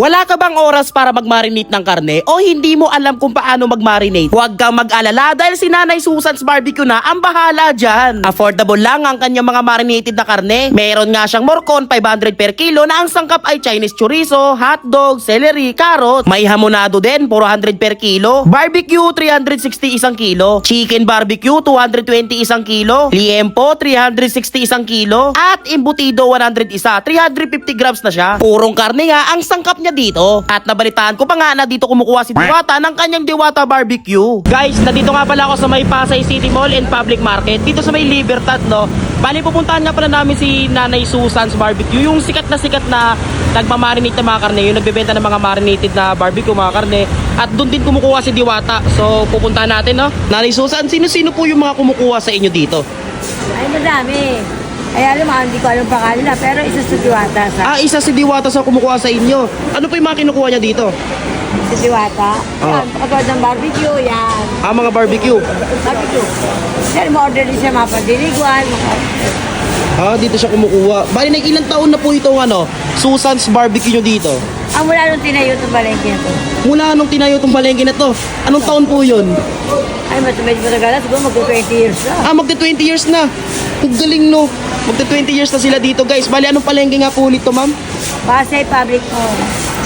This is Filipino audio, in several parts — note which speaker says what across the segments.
Speaker 1: Wala ka bang oras para mag-marinate ng karne o hindi mo alam kung paano mag-marinate? Huwag kang mag-alala dahil si Nanay Susan's Barbecue na ang bahala dyan. Affordable lang ang kanyang mga marinated na karne. Meron nga siyang morcon 500 per kilo na ang sangkap ay Chinese chorizo, hotdog, celery, carrot. May hamonado din 400 per kilo. Barbecue 360 isang kilo. Chicken barbecue 220 isang kilo. Liempo 360 isang kilo. At embutido 100 isa. 350 grams na siya. Purong karne nga ang sangkap niya dito. At nabalitaan ko pa nga na dito kumukuha si Diwata ng kanyang Diwata Barbecue. Guys, nandito nga pala ako sa may Pasay City Mall and Public Market. Dito sa may Libertad, no? Bali, pupuntahan nga pala namin si Nanay Susan's Barbecue. Yung sikat na nagmamarinate ng mga karne. Yung nagbebenta ng mga marinated na barbecue, mga karne. At doon din kumukuha si Diwata. So, pupuntahan natin, no? Nanay Susan, sino-sino po yung mga kumukuha sa inyo dito?
Speaker 2: Ay, madami. Ay, alam mo, hindi ko alam pangalan na, pero isa sa Diwata.
Speaker 1: Isa si Diwata sa kumukuha sa inyo. Ano po yung mga kinukuha niya dito?
Speaker 2: Si Diwata. Yan, pagkawad ng barbecue, yan.
Speaker 1: Mga barbecue.
Speaker 2: Barbecue. Yan, ma-order din siya mga pandiliguan.
Speaker 1: Dito siya kumukuha. Bali, ilang taon na po itong Susan's Barbecue nyo dito?
Speaker 2: Mula nung tinayo itong balengke na to.
Speaker 1: Mula nung tinayo itong palengke na to. Anong taon po yun?
Speaker 2: Ay, medyo matagal na. Siguro magto-20 years na.
Speaker 1: Magti 20 years na. Ang galing, no? Magti 20 years na sila dito, guys. Bali, anong palengke nga po ulit to, ma'am?
Speaker 2: Pasay Public Mall.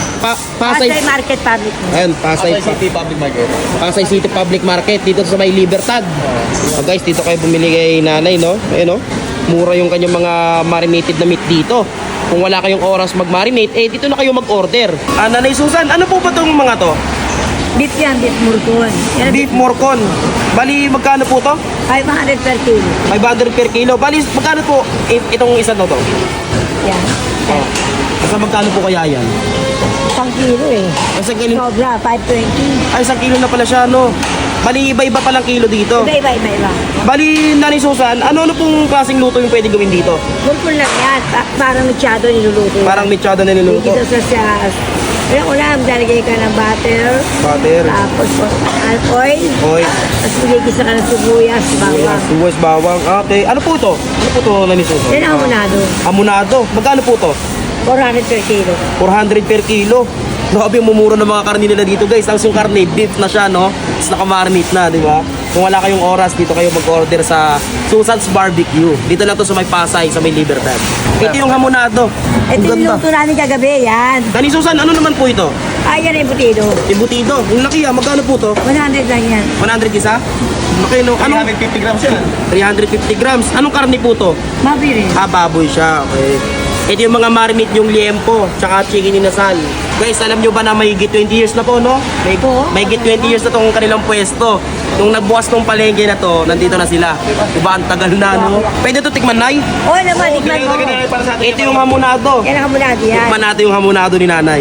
Speaker 2: Pasay Market Public Mall.
Speaker 1: Ayun, Pasay
Speaker 3: City Public Market.
Speaker 1: Pasay City Public Market. Dito sa may Libertad. Guys, dito kayo bumili kay nanay, no? Ayun, no? Mura yung kanyang mga marinated na meat dito. Kung wala kayong oras mag-marinate, dito na kayo mag-order. Nanay Susan, ano po ba itong mga to?
Speaker 2: Beef yan, beef morcon. Yan,
Speaker 1: Beef morcon. Bali, magkano po to?
Speaker 2: 500 per kilo.
Speaker 1: 500 per kilo. Bali, magkano po itong isa na to?
Speaker 2: Yan.
Speaker 1: Kasi magkano po kaya yan?
Speaker 2: 1 kilo eh.
Speaker 1: Kasi kilo,
Speaker 2: Sobra, 520.
Speaker 1: ay, 1 kilo na pala siya, no? Bali, iba-iba palang kilo dito.
Speaker 2: Iba.
Speaker 1: Bali, Nanay Susan, ano pong klaseng luto yung pwede gawin dito?
Speaker 2: Morcon lang yan. Parang mechado niluluto yan.
Speaker 1: Parang mechada na niluluto.
Speaker 2: Dito sa Kaya ulam, dalagay ka ng butter.
Speaker 1: Butter.
Speaker 2: Tapos oil.
Speaker 1: Oil.
Speaker 2: Tapos magigisa ka ng sibuyas, bawang.
Speaker 1: Suwas, bawang. Okay. Ano po ito? Ano po ito, Nanay Susan?
Speaker 2: Yan ang hamonado.
Speaker 1: Hamonado. Magkano po ito?
Speaker 2: 400 per kilo.
Speaker 1: 400 per kilo. Grabe yung mumura ng mga karne nila dito, guys. Ang yung karne, beef na siya, no? Tapos nakamarinate na, di ba? Kung wala kayong oras, dito kayo mag-order sa Susan's Barbecue. Dito lang to sa may Pasay, sa may Libertad. Ito yung hamonado.
Speaker 2: Ito yung luto namin kagabi, yan.
Speaker 1: Nanay Susan, ano naman po ito?
Speaker 2: Ay, yan ang embutido.
Speaker 1: Embutido. Yung laki, magkano po to?
Speaker 2: 100 lang yan.
Speaker 1: 100 isa? Laki, no? Anong
Speaker 3: 350 grams yan.
Speaker 1: 350 grams. Anong karne po to?
Speaker 2: Mabiri.
Speaker 1: Baboy siya. Okay. Ito yung mga marinate yung liempo, tsaka chicken inasal. Guys, alam nyo ba na may 20 years na po, no? May 20 years na tong kanilang pwesto. Nung nagbukas tong palengke na to, nandito na sila. Diba, ang tagal na, no? Pwede to tikman, Nay?
Speaker 2: Oo naman, tikman mo.
Speaker 1: Ito yung hamonado.
Speaker 2: Yan ang hamonado yan.
Speaker 1: Tikman natin yung hamonado ni Nanay.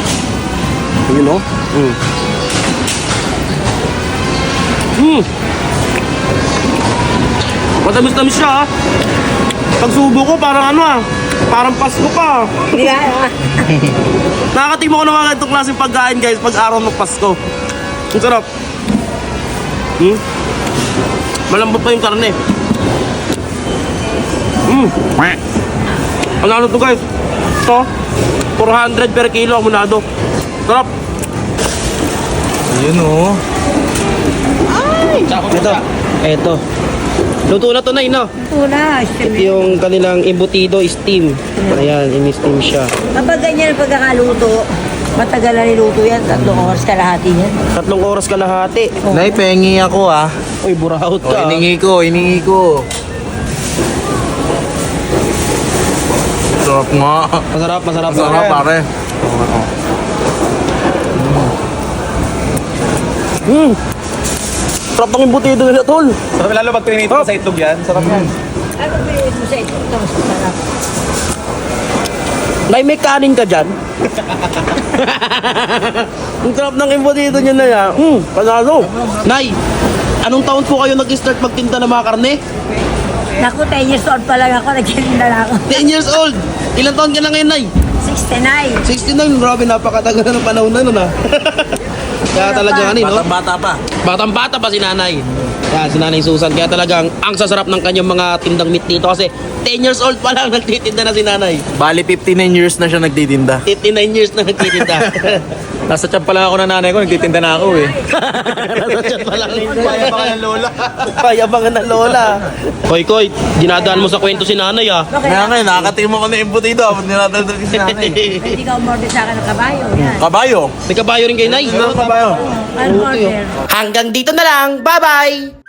Speaker 1: Yun, no? Matamis-tamis siya, Pagsubo ko, parang parang Pasko pa.
Speaker 2: Hindi ka,
Speaker 1: Nakakatima ko ng mga ganitong klaseng pagkain, guys, pag araw ng Pasko. Ang sarap. Malambot pa yung karne. Ano to, guys? Ito, 400 per kilo, hamonado. Sarap.
Speaker 3: Yun o.
Speaker 1: Ito. Luto na to, Nay, no?
Speaker 2: ito na.
Speaker 1: Ito yung kanilang embutido steam. Ayan, in-steam siya.
Speaker 2: Kapag ganyan ang pagkakaluto, matagal na niluto yan. 3 oras kalahati yan.
Speaker 1: 3 oras kalahati.
Speaker 3: Nay, pengi ako
Speaker 1: Uy, burahot
Speaker 3: O,
Speaker 1: ka.
Speaker 3: iningi ko. Sarap nga.
Speaker 1: Masarap.
Speaker 3: Sarap, pare.
Speaker 1: Sarap ng embutido nila, tol.
Speaker 3: Sarap lalo pag trinito sa itlog yan. Sarap yan.
Speaker 2: Ano bilhin mo sa ito? Ito, mas masarap.
Speaker 1: Nay, may kanin ka dyan? Ang sarap ng embutido niya na yan. Panalo. Nay, anong taon po kayo nag-start magtinda ng mga karne?
Speaker 2: Naku, 10 years old pa lang ako. Nagkilinda na ako.
Speaker 1: 10 years old. Ilang taon ka na ngayon, Nay?
Speaker 2: 69.
Speaker 1: 69. Grabe, napakatagal na ng panahon na nun, ha? Kaya talaga no?
Speaker 3: Bata pa.
Speaker 1: Batang-bata pa si Nanay. Yan, si Nanay Susan. Kaya talagang ang sasarap ng kanyang mga tindang meat dito kasi 10 years old pa lang nagtitinda na si Nanay.
Speaker 3: Bali, 59 years na siya nagtitinda.
Speaker 1: 59 years na nagtitinda.
Speaker 3: Nasa tiyan pa lang ako ng nanay ko, nagtitinda na ako eh.
Speaker 1: Nasa chat pa lang.
Speaker 3: Kaya pa ng lola.
Speaker 1: Payabangan na lola. Koy, dinadaan mo sa kwento si Nanay ah.
Speaker 3: Kaya nga, nakakatingin mo ko na embutido. Abot nilataldal si nanay.
Speaker 2: Pwede ka umorder sa akin ng kabayo. Yan.
Speaker 3: Kabayo.
Speaker 1: May kabayo rin kay Nay.
Speaker 3: Ano kabayo?
Speaker 2: Ano order?
Speaker 1: Hanggang dito na lang. Bye-bye!